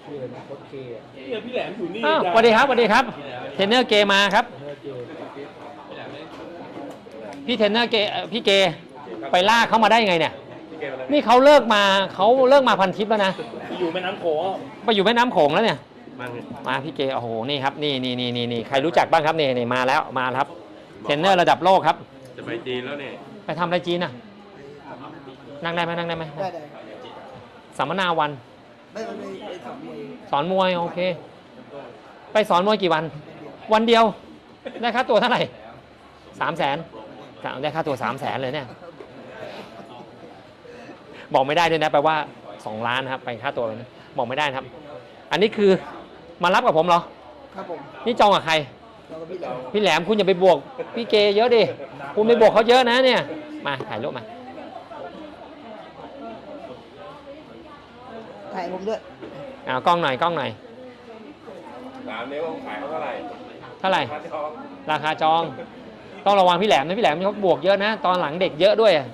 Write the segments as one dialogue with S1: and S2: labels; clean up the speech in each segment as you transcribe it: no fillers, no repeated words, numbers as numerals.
S1: ชื่ออะไรนะโค้ชเคอะ
S2: เนี่ยพี่แหลมอยู่นี่
S3: อ้าวสวัสดีครับสวัสดีครับเทรนเนอร์เกมาครับ
S1: เทรนเนอร์เก
S3: พี่เทรนเนอร์เกพี่เกไปลากเขามาได้ยังไงเนี่ย
S2: พี่เกมอะไร
S3: นี่เขาเลิกมาพันทิปแล้วนะ
S2: อยู่แม่น้ำโขง
S3: ไปอยู่แม่น้ำโขงแล้วเนี่ย
S2: มัน
S3: มาพี่เกโอ้โหนี่ครับนี่ใครรู้จักบ้างครับนี่มาแล้วมาครับเทรนเนอร์ระดับโลกครับ
S2: จะไปจีนแล้วเนี่ย
S3: ไปทำอะไรจีนน่ะนั่งได้ไหม
S1: ได้
S3: สัมมนาวัน
S1: ไม่ไปสอนมวย
S3: สอนมวยโอเค ไปสอนมวยกี่วัน วันเดียวได้ค่าตัวเท่าไหร่300,000ได้ค่าตัว300,000เลยเนี่ยบอกไม่ได้ด้วยนะแปลว่า2 ล้านนะครับไปค่าตัวเลยนะบอกไม่ได้นะครับ อันนี้คือมารับกับผมเหรอ
S1: ครับผม
S3: นี่จองกับใคร
S1: เราก็พี่แหลม
S3: พี่แหลมคุณอย่าไปบวกพี่เกเยอะดิคุณไปบวกเขาเยอะนะเนี่ยมาถ่ายรูปมา
S1: ถ่ายผมด้วย
S3: เอากล้องหน่อย
S2: ถามเนี่ยว่าขายเขาเท่าไหร่
S3: เท่าไหร่
S2: ค่าจอง
S3: ราคาจองต้องระวังพี่แหลมนะพี่แหลมเขาบวกเยอะนะ ตอนหลังเด็กเยอะด้วยอะ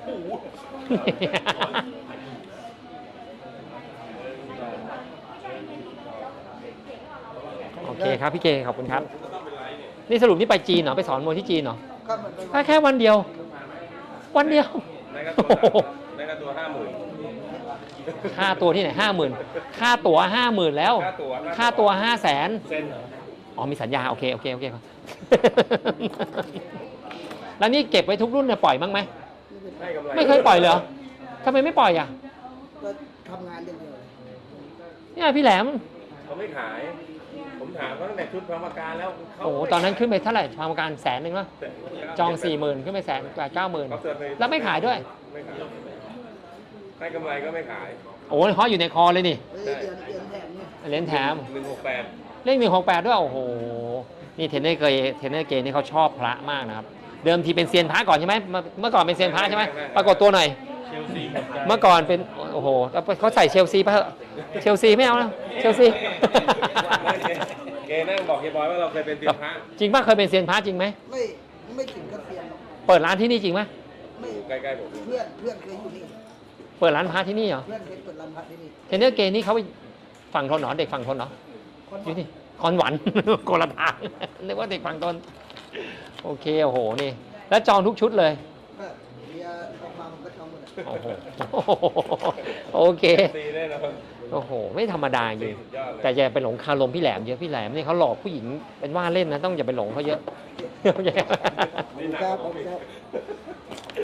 S3: โอเคครับพี่เกขอบคุณครับ นี่สรุปนี่ไปจีนเหรอไปสอนมวยที่จีนเหรอ
S1: ก็เหมือนไป
S3: แค่วันเดียว วันเดียว
S2: ได้ค่า
S3: โอ้
S2: ตัว
S3: โห
S2: ได้ค่าตัว50,000
S3: ค่าตัวที่ไหน50,000ค่าตั๋ว50,000แล้ว ค่าตัว500,000
S2: เส้นเหรอ
S3: อ๋อมีสัญญาโอเคครับ แล้วนี่เก็บไว้ทุกรุ่นเนี่ยปล่อยบ้างไหม
S2: ได้กำไร
S3: ไม่เคยปล่อยเลยเหรอทำไมไม่ปล่อยอ่ะ
S1: ก็ทำงานอย่างเดียวเลย
S3: เนี่ยพี่แหลม
S2: เขาไม่ขาย ผมถามเขาตั้งแต่ชุดพรรมการแล้วเขา
S3: โอ้โหตอนนั้นขึ้นไปเท่าไหร่ทางการ100,000วะจอง 40,000ขึ้นไป190,000แล้วไม่ขายด้วย
S2: ไม่ขายได้กำไรก็ไม่ขาย
S3: โอ้ยฮออยู่ในคอเลยนี่
S1: เฮ้ยเดือนแถมเนี่ย
S3: เหรียญแถม
S2: 168
S3: เลข168ด้วยโอ้โหนี่เทรนเนอร์เกนี่เขาชอบพระมากนะครับเดิมทีเป็นเซียนพระก่อนใช่ไหมเมื่อก่อนเป็นเซียนพระใช่ไหมปรากฏตัวหน่อย
S2: เชลซี
S3: เมื่อก่อนเป็นโอ้โหเขาใส่เชลซีไปเถอะเชลซีไม่เอานะเชลซี
S2: เกนั่งบอกเฮียบอยว่าเราเคยเป็นเซียนพระ
S3: จริงป่ะเคยเป็นเซียนพระจริงไหม
S1: ไม่ถึงกับเซียนหรอก
S3: เปิดร้านที่นี่จริงไหม
S1: ไม่
S2: ใกล้ๆผม
S1: เพื่อนเคยอยู่นี่
S3: เปิดร้านพระที่นี่เหรอ
S1: เพื่อนเคยเปิดร้านพักที่นี่
S3: เทรนเนอร์เกนี่เขาไปฝั่งทนเหรอเด็กฝั่งทนเหรอ
S1: คน
S3: อยู่นี่คอนหวัน โกละทาง นึกว่าเด็กฝั่งทนโอเคโอ้โหนี่แล้วจองทุกชุดเลย
S1: ก็เบียร์ออกมาผมก็ทำหมดอะ
S3: โอ้โหโอเค
S2: ซีแน่นอน
S3: โอ้โหไม่ธรรมดาจริง
S2: สุดยอดเลย
S3: แต่อย่าไปหลงคารมพี่แหลมเยอะพี่แหลมนี่เขาหลอกผู้หญิงเป็นว่าเล่นนะต้องอย่าไปหลงเขาเยอะ
S2: นี่หนัก
S1: ครับ
S2: กว่าผมอีก
S1: ครับ